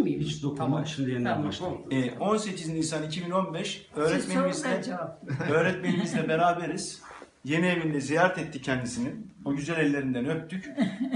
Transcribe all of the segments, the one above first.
miyim? Hiç dokunma. Tamam. Şimdi yeniden Tamam. başlayalım. 18 Nisan 2015 Siz sorun, ben cevap. öğretmenimizle beraberiz. Yeni evinde ziyaret ettik kendisini. O güzel ellerinden öptük.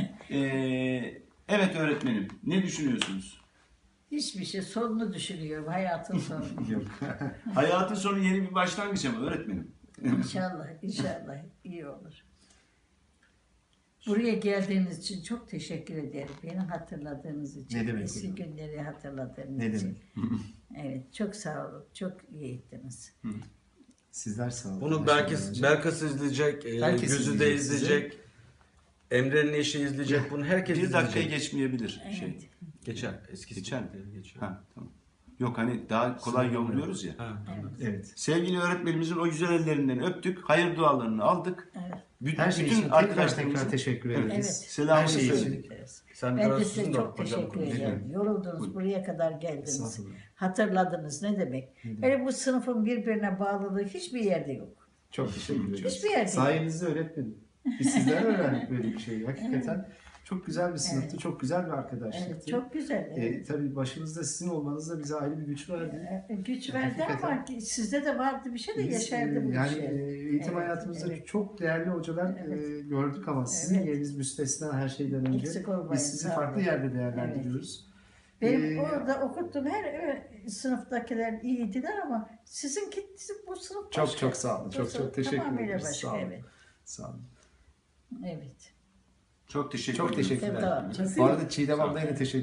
Evet öğretmenim, ne düşünüyorsunuz? Hiçbir şey, sonunu düşünüyorum, hayatın sonunu. Yok. Hayatın sonu yeni bir başlangıç ama öğretmenim. İnşallah, inşallah iyi olur. Buraya geldiğiniz için çok teşekkür ederim. Beni hatırladığınız için. Ne demek Eski hocam? günleri hatırladığınız Ne için. demek? Evet, çok sağ olun. Çok iyi ettiniz. Sizler sağ olun. Bunu Teşekkür ederim. Belkıs izleyecek, Herkes Gözü de izleyecek izleyecek, Emre'nin eşi izleyecek. Bunu herkes Bir dakikayı izleyecek. geçmeyebilir Evet. şey. Geçer. Eskisi Geçer mi? geçiyor. Ha, tamam. Yok hani daha kolay yolluyoruz ya. Ha. Evet. Sevgili öğretmenimizin o güzel ellerinden öptük. Hayır dualarını aldık. Evet. Her şey için tekrar teşekkür ederiz. Evet. Selamını Her şey için. söyledik. Sen Ben de biraz size uzun da çok hocam teşekkür konuşalım. ederim. Yoruldunuz, Buyurun. buraya kadar geldiniz. Estağfurullah. Hatırladınız ne demek? Öyle bu sınıfın birbirine bağlılığı hiçbir yerde yok. Çok teşekkür ederiz. Hiçbir yerde yok. Sayenizde öğretmenim. Biz sizden öğrendik böyle bir şeyi. Hakikaten çok güzel bir sınıftı, Evet. çok güzel bir arkadaşlıktı. Evet, çok güzel. Evet. Tabii başımızda sizin olmanız da bize ayrı bir güç verdi. Güç verdi ama Hakikaten. sizde de vardı bir şey de Biz, yaşardı bu yani şey. eğitim Evet, hayatımızda evet. çok değerli hocalar Evet. gördük ama sizin Evet. yeriniz müstesna her şeyden önce. Eksik olmayın, Biz sizi sağ farklı olun. yerde değerlendiriyoruz. Benim Ee, orada okuttuğum her sınıftakiler iyiydiler ama sizinki bu sınıf başka. Çok sağ olun. Bu Çok sınıf teşekkür tamamıyla ederiz. başka, Sağ olun. evet. Sağ olun. Evet. Çok teşekkür Çok ederim. teşekkürler. Tamam. Bu arada Çiğdem ablaya da teşekkür